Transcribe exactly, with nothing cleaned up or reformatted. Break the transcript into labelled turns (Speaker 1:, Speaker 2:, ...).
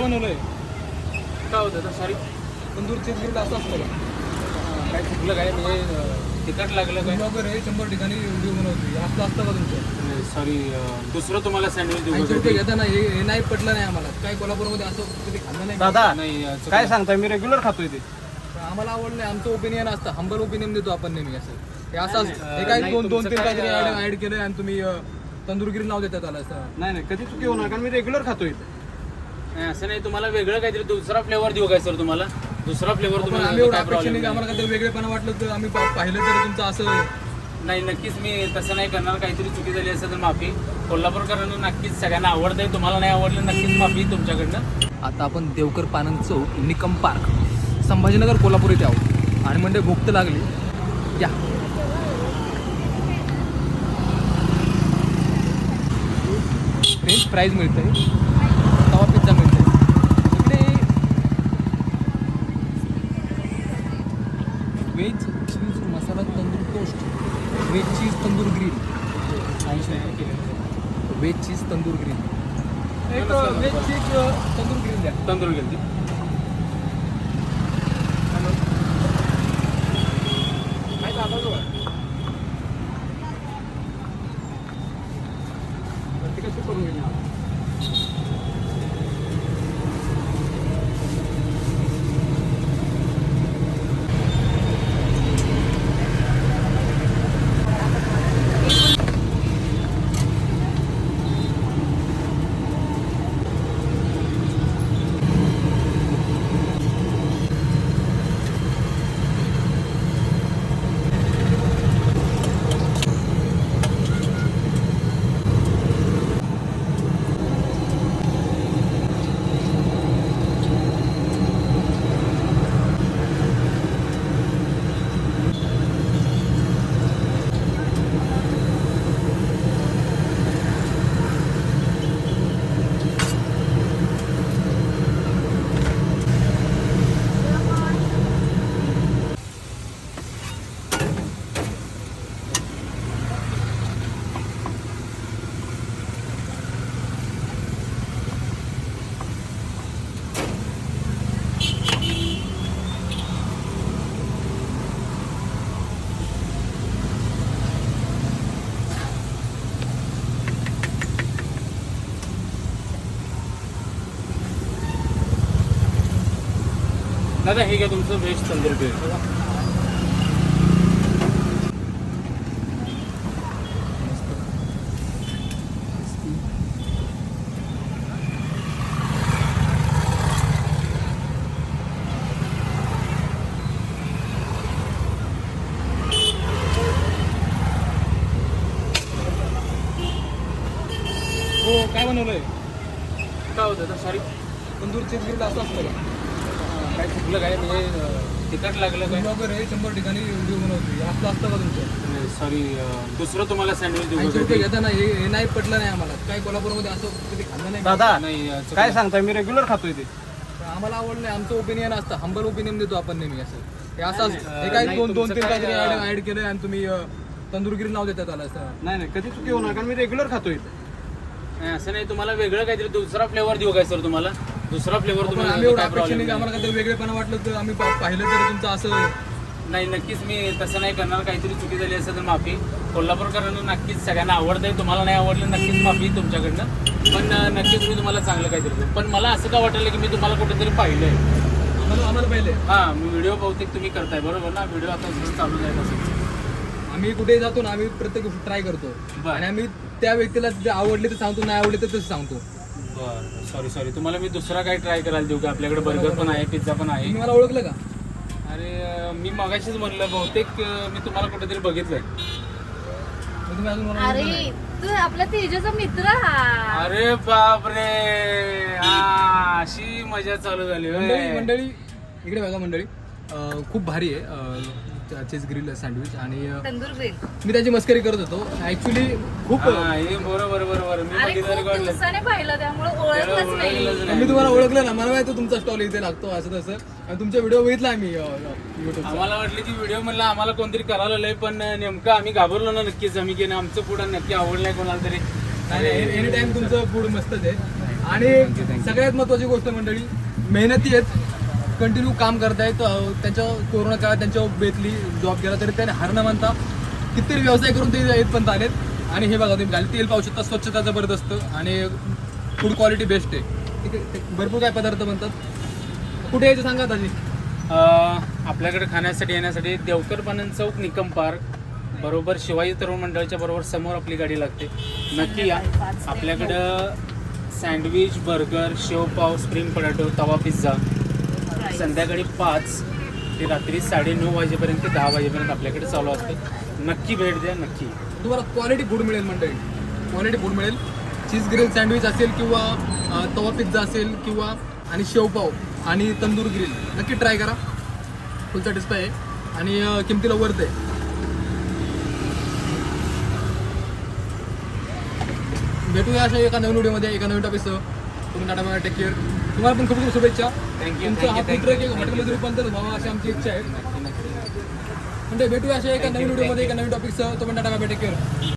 Speaker 1: काय बनवलंय?
Speaker 2: काय होतं तर सॉरी
Speaker 1: तंदूर चीज ग्रिल असं असतं का?
Speaker 2: काय चुकलं काय म्हणजे तिखट लागलं काय
Speaker 1: ब्लॉगर आहे, शंभर ठिकाणी व्हिडिओ बनवतो, असं असतं का तुमचं?
Speaker 2: सॉरी दुसरं तुम्हाला सँडविच देऊ
Speaker 1: ऐंशी
Speaker 2: का?
Speaker 1: रुपये घेता ना, हे हे नाही पटलं नाही आम्हाला. काय कोल्हापूरमध्ये असं कधी खाल्लं नाही.
Speaker 3: दादा
Speaker 2: नाही अं, चुकलं.
Speaker 3: काय सांगताय, मी रेग्युलर खातोय ते.
Speaker 1: पण आम्हाला आवडलं. आमचं ओपिनियन असतं, हंबल ओपिनियन देतो आपण नेहमी. असं हे असं
Speaker 2: नाही,
Speaker 1: असतं.
Speaker 2: नाही,
Speaker 1: हे काय
Speaker 2: नाही,
Speaker 1: दोन दोन
Speaker 2: तुमचं
Speaker 1: तीन
Speaker 2: काय,
Speaker 1: काहीतरी
Speaker 2: अं,
Speaker 1: ऍड केलंय आणि तुम्ही अं, तंदूर ग्रिल नाव देतात त्याला. असं
Speaker 3: नाही नाही कधी चुकी होणार, कारण मी रेग्युलर खातोय ते.
Speaker 2: नाही, असं नाही. तुम्हाला वेगळं काहीतरी दुसरा फ्लेवर देऊ काय सर तुम्हाला? दुसरा फ्लेवर
Speaker 1: पण
Speaker 2: तुम्हाला
Speaker 1: आम्ही एवढं
Speaker 2: काय
Speaker 1: अपेक्षा
Speaker 2: प्रॉब्लेम
Speaker 1: नाही की आम्हाला काहीतरी वेगळेपणा वाटलं तर आम्ही पा- पाहिलं तर तुमचं असं.
Speaker 2: नाही, नक्कीच मी तसं नाही करणार. काहीतरी चुकी झाली असेल तर माफी. कोल्हापूरकरांना नक्कीच सगळ्यांना आवडतंय. तुम्हाला नाही आवडलं नक्कीच माफी तुमच्याकडनं.
Speaker 1: आता आपण देवकर पानंद चौक, निकम पार्क, संभाजीनगर, कोल्हापूर इथे आहोत. आणि म्हणजे भूक तर लागली. या फ्रेंच फ्राईज मिळते, तवा पिझ्झा मिळते इकडे. Veg cheese masala tandoor toast, veg cheese tandoor grill, ऐंशी रुपये केले. व्हेज चीज तंदूर ग्रिल, एक व्हेज चीज तंदूर ग्रिल द्या.
Speaker 2: तंदूर गेली
Speaker 1: काय दाखवतो ते कसं करून घेणार?
Speaker 2: दादा हे घ्या तुमचं व्हेज तंदूर ग्रिल.
Speaker 1: हो, काय बनवलंय?
Speaker 2: काय होतं तर सॉरी
Speaker 1: तंदूर चीज ग्रिल असं असतं का?
Speaker 2: काय चुकलं काय म्हणजे अं, तिखट लागलं काय?
Speaker 1: ब्लॉगर आहे, शंभर ठिकाणी व्हिडिओ बनवतो, असं असतं का तुमचं?
Speaker 2: सॉरी दुसरं तुम्हाला सँडविच देऊ
Speaker 1: ऐंशी
Speaker 2: का?
Speaker 1: रुपये घेता ना, हे हे नाही पटलं नाही आम्हाला. काय कोल्हापूरमध्ये असं कधी खाल्लं नाही.
Speaker 3: दादा
Speaker 2: नाही अं, चुकलं.
Speaker 3: काय सांगताय, मी रेग्युलर खातोय ते.
Speaker 1: पण आम्हाला आवडलं. आमचं ओपिनियन असतं, हंबल ओपिनियन देतो आपण नेहमी. असं हे असं
Speaker 2: नाही,
Speaker 1: असतं.
Speaker 2: नाही,
Speaker 1: हे काय
Speaker 2: नाही,
Speaker 1: दोन दोन
Speaker 2: तुमचं
Speaker 1: तीन
Speaker 2: काय,
Speaker 1: काहीतरी
Speaker 2: अं,
Speaker 1: ऍड केलंय आणि तुम्ही अं, तंदूर ग्रिल नाव देतात त्याला. असं
Speaker 3: नाही नाही कधी चुकी होणार, कारण मी रेग्युलर खातोय ते.
Speaker 2: नाही, असं नाही. तुम्हाला वेगळं काहीतरी दुसरा फ्लेवर देऊ काय सर तुम्हाला? दुसरा फ्लेवर
Speaker 1: पण
Speaker 2: तुम्हाला
Speaker 1: आम्ही एवढं
Speaker 2: काय
Speaker 1: अपेक्षा नाही
Speaker 2: प्रॉब्लेम
Speaker 1: की आम्हाला काहीतरी वेगळेपणा वाटलं तर आम्ही पा- पाहिलं तर तुमचं असं.
Speaker 2: नाही, नक्कीच मी तसं नाही करणार. काहीतरी चुकी झाली असेल तर माफी. कोल्हापूरकरांना नक्कीच सगळ्यांना आवडतंय. तुम्हाला नाही आवडलं नक्कीच माफी तुमच्याकडनं. पण अं, नक्कीच मी तुम्हाला चांगलं काहीतरी देऊ. पण मला असं का वाटलं की मी तुम्हाला कुठेतरी पाहिलंय.
Speaker 1: आम्हाला आम्हाला पाहिजे.
Speaker 2: हां, मी व्हिडिओ बहुतेक तुम्ही करताय बरोबर ना? व्हिडिओ आता जसं चालू आहे तसं.
Speaker 1: आम्ही कुठे जातो ना, आम्ही प्रत्येक गोष्ट ट्राय करतो.
Speaker 2: बरं.
Speaker 1: आणि आम्ही त्या व्यक्तीला जे आवडले तर सांगतो, नाही आवडले तर तसं सांगतो.
Speaker 2: बरं, सॉरी सॉरी. तुम्हाला मी दुसरा काही ट्राय करायला देऊ का? आपल्याकडे बर्गर पण आहे, पिझ्झा पण आहे.
Speaker 1: तुम्ही मला ओळखलं का?
Speaker 2: अरे अं, मी मगाशीच म्हणलं बहुतेक अं, मी तुम्हाला कुठेतरी बघितलंय.
Speaker 1: मग तुम्ही अजून मला ओळखलं
Speaker 4: अरे
Speaker 1: नाही.
Speaker 4: तू आपला तेजाचा मित्र हा.
Speaker 2: अरे बापरे, हा, अशी मजा चालू झाली होय.
Speaker 1: मंडळी मंडळी इकडे बघा मंडळी, अं, खूप भारी आहे चीज ग्रिल सँडविच. आणि अं,
Speaker 4: तंदूर ग्रिल.
Speaker 1: मी त्याची मस्करी करत होतो ऍक्च्युली. खूप
Speaker 2: हा, हे बरोबर बरोबर मी
Speaker 4: अरे
Speaker 2: बघितलं
Speaker 4: खूप
Speaker 2: रेकॉर्ड.
Speaker 4: दिवसाने पाहिलं त्यामुळे ओळखलंच नाही.
Speaker 1: मी तुम्हाला ओळखलं ना, मला माहिती तुमचा स्टॉल इथे लागतो असं तसं. आणि तुमचा व्हिडिओ बघितला आम्ही युट्यूबचा.
Speaker 2: आम्हाला वाटलं की व्हिडिओ म्हणलं आम्हाला कोणतरी करायला लय, पण नेमकं आम्ही घाबरलो ना नक्कीच. आम्ही की नाही, आमचं फूड नक्की आवडलंय कोणाला तरी.
Speaker 1: एनी टाइम तुमचं फूड मस्तच आहे. आणि सगळ्यात महत्त्वाची गोष्ट मंडळी, मेहनती आहेत, कंटिन्यू काम करतायत. अं, त्यांच्या कोरोना काळात त्यांच्या बेतली जॉब केला तरी त्याने हार न मानता कितीतरी व्यवसाय करून ते येतपर्यंत आलेत. आणि हे बघा तुम्ही खाली तेल पाहू शकता, स्वच्छता जबरदस्त आणि फूड क्वालिटी बेस्ट आहे. ठीक आहे, ते भरपूर काय पदार्थ बनतात. कुठे यायचं सांगा ताजी?
Speaker 2: अं, आपल्याकडे खाण्यासाठी येण्यासाठी देवकर पानन चौक, निकम पार्क बरोबर शिवाजी तरुण मंडळाच्या बरोबर समोर आपली गाडी लागते. नक्की या. आपल्याकडं sandwich, burger, shevpav, spring potato, tawa pizza संध्याकाळी पाच ते रात्री साडेनऊ वाजेपर्यंत ते दहा वाजेपर्यंत आपल्याकडे चालू असतं. नक्की भेट द्या, नक्की.
Speaker 1: तुम्हाला क्वालिटी फूड मिळेल मंडळी, क्वालिटी फूड मिळेल. चीज ग्रिल सँडविच असेल किंवा अ, तवा पिझ्झा असेल किंवा आणि शेवपाव आणि तंदूर ग्रिल नक्की ट्राय करा. फुल सॅटिस्फाय आहे आणि अ, किमतीला वर्थ आहे. भेटूया अशा एका नवीन व्हिडिओमध्ये एका नवीन टॉपिकसह. तुम्ही टाटा बाय, टेक केअर. तुम्हाला पण खूप खूप शुभेच्छा.
Speaker 2: थँक्यू
Speaker 1: तुमचा हा
Speaker 2: थँक्यू
Speaker 1: फूड ट्रक एक हॉटेलमध्ये रूपांतर व्हावा अशी आमची इच्छा आहे. म्हणजे भेटूया अशा एका नवीन व्हिडिओमध्ये एका नवीन टॉपिकसह. तुम्ही टाटा बाय, टेक केअर.